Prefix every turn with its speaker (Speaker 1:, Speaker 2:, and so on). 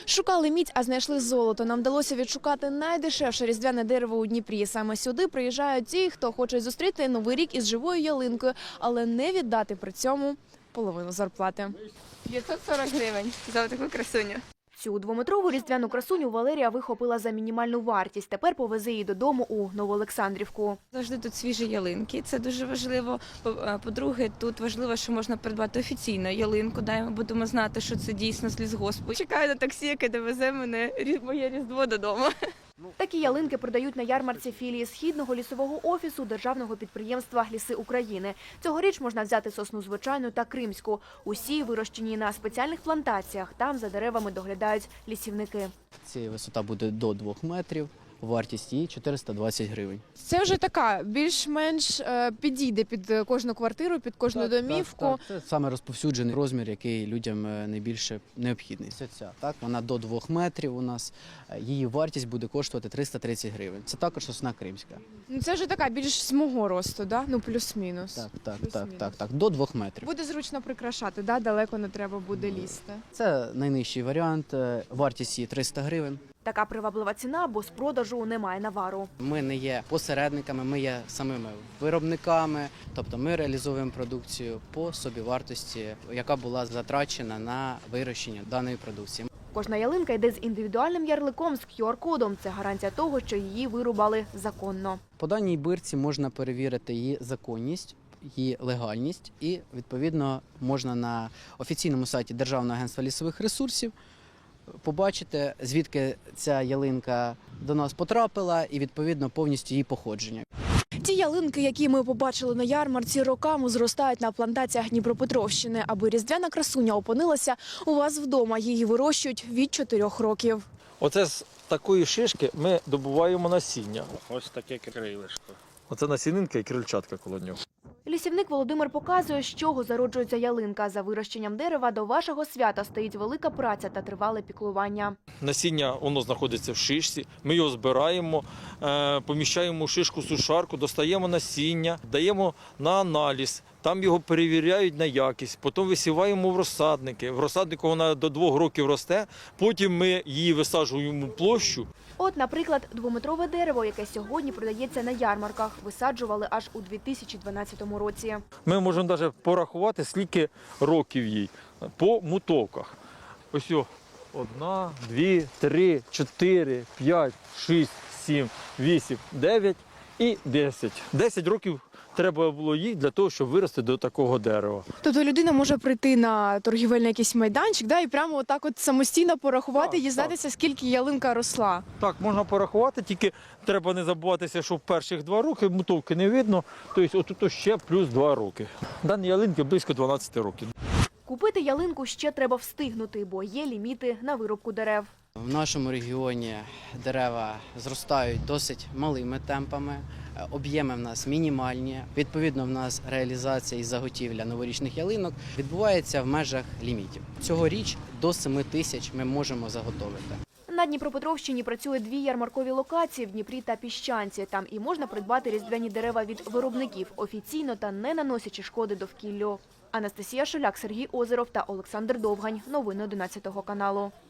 Speaker 1: Шукали мідь, а знайшли золото. Нам вдалося відшукати найдешевше різдвяне дерево у Дніпрі. Саме сюди приїжджають ті, хто хоче зустріти Новий рік із живою ялинкою, але не віддати при цьому половину зарплати.
Speaker 2: 540 гривень за таку красуню.
Speaker 1: Цю двометрову різдвяну красуню Валерія вихопила за мінімальну вартість. Тепер повезе її додому у Новоолександрівку.
Speaker 2: Завжди тут свіжі ялинки, це дуже важливо. По-друге, тут важливо, що можна придбати офіційно ялинку, ми будемо знати, що це дійсно з лісгоспу. Чекаю на таксі, яке довезе моє Різдво додому.
Speaker 1: Такі ялинки продають на ярмарці філії Східного лісового офісу державного підприємства «Ліси України». Цьогоріч можна взяти сосну звичайну та кримську. Усі вирощені на спеціальних плантаціях. Там за деревами доглядають лісівники.
Speaker 3: Ця висота буде до 2 метрів, вартість її 420 гривень.
Speaker 1: Це вже така, більш-менш підійде під кожну квартиру, під кожну домівку.
Speaker 3: Так. Це саме розповсюджений розмір, який людям найбільше необхідний. Вона до 2 метрів у нас, її вартість буде коштувати 330 гривень. Це також сосна кримська.
Speaker 1: Це вже така більш з мого росту, да? Ну плюс-мінус.
Speaker 3: Так, до 2 метрів.
Speaker 1: Буде зручно прикрашати, да? Далеко не треба буде лізти.
Speaker 3: Це найнижчий варіант, вартість її 300 гривень.
Speaker 1: Така приваблива ціна, бо з продажу немає навару.
Speaker 3: Ми не є посередниками, ми є самими виробниками, тобто ми реалізовуємо продукцію по собівартості, яка була затрачена на вирощення даної продукції.
Speaker 1: Кожна ялинка йде з індивідуальним ярликом, з QR-кодом. Це гарантія того, що її вирубали законно.
Speaker 3: По даній бирці можна перевірити її законність, її легальність і, відповідно, можна на офіційному сайті Державного агентства лісових ресурсів побачити, звідки ця ялинка до нас потрапила і, відповідно, повністю її походження.
Speaker 1: Ті ялинки, які ми побачили на ярмарці, роками зростають на плантаціях Дніпропетровщини. Аби різдвяна красуня опинилася у вас вдома, її вирощують від 4 років.
Speaker 4: Оце з такої шишки ми добуваємо насіння.
Speaker 5: Ось таке крилишко.
Speaker 4: Оце насінинка і крильчатка коло нього.
Speaker 1: Лісівник Володимир показує, з чого зароджується ялинка. За вирощенням дерева до вашого свята стоїть велика праця та тривале піклування.
Speaker 4: Насіння, воно знаходиться в шишці, ми його збираємо, поміщаємо в шишку-сушарку, достаємо насіння, даємо на аналіз, там його перевіряють на якість, потім висіваємо в розсадники. В розсаднику вона до 2 років росте, потім ми її висаджуємо в площу.
Speaker 1: От, наприклад, 2-метрове дерево, яке сьогодні продається на ярмарках, висаджували аж у 2012 році.
Speaker 4: Ми можемо навіть порахувати, скільки років їй по мутовках. Ось 1, 2, 3, 4, 5, 6, 7, 8, 9 і 10. 10 років треба було їй для того, щоб вирости до такого дерева.
Speaker 1: Тобто людина може прийти на торгівельний якийсь майданчик, да, і прямо отак от самостійно порахувати і дізнатися, скільки ялинка росла.
Speaker 4: Так, можна порахувати, тільки треба не забуватися, що в перших 2 роки мутовки не видно, тобто отут ще плюс 2 роки. Дані ялинки близько 12 років.
Speaker 1: Купити ялинку ще треба встигнути, бо є ліміти на вирубку дерев.
Speaker 3: В нашому регіоні дерева зростають досить малими темпами, об'єми в нас мінімальні. Відповідно, в нас реалізація і заготівля новорічних ялинок відбувається в межах лімітів. Цьогоріч до 7 тисяч ми можемо заготовити.
Speaker 1: На Дніпропетровщині працює 2 ярмаркові локації в Дніпрі та Піщанці. Там і можна придбати різдвяні дерева від виробників офіційно та не наносячи шкоди довкіллю. Анастасія Шуляк, Сергій Озеров та Олександр Довгань. Новини 11 каналу.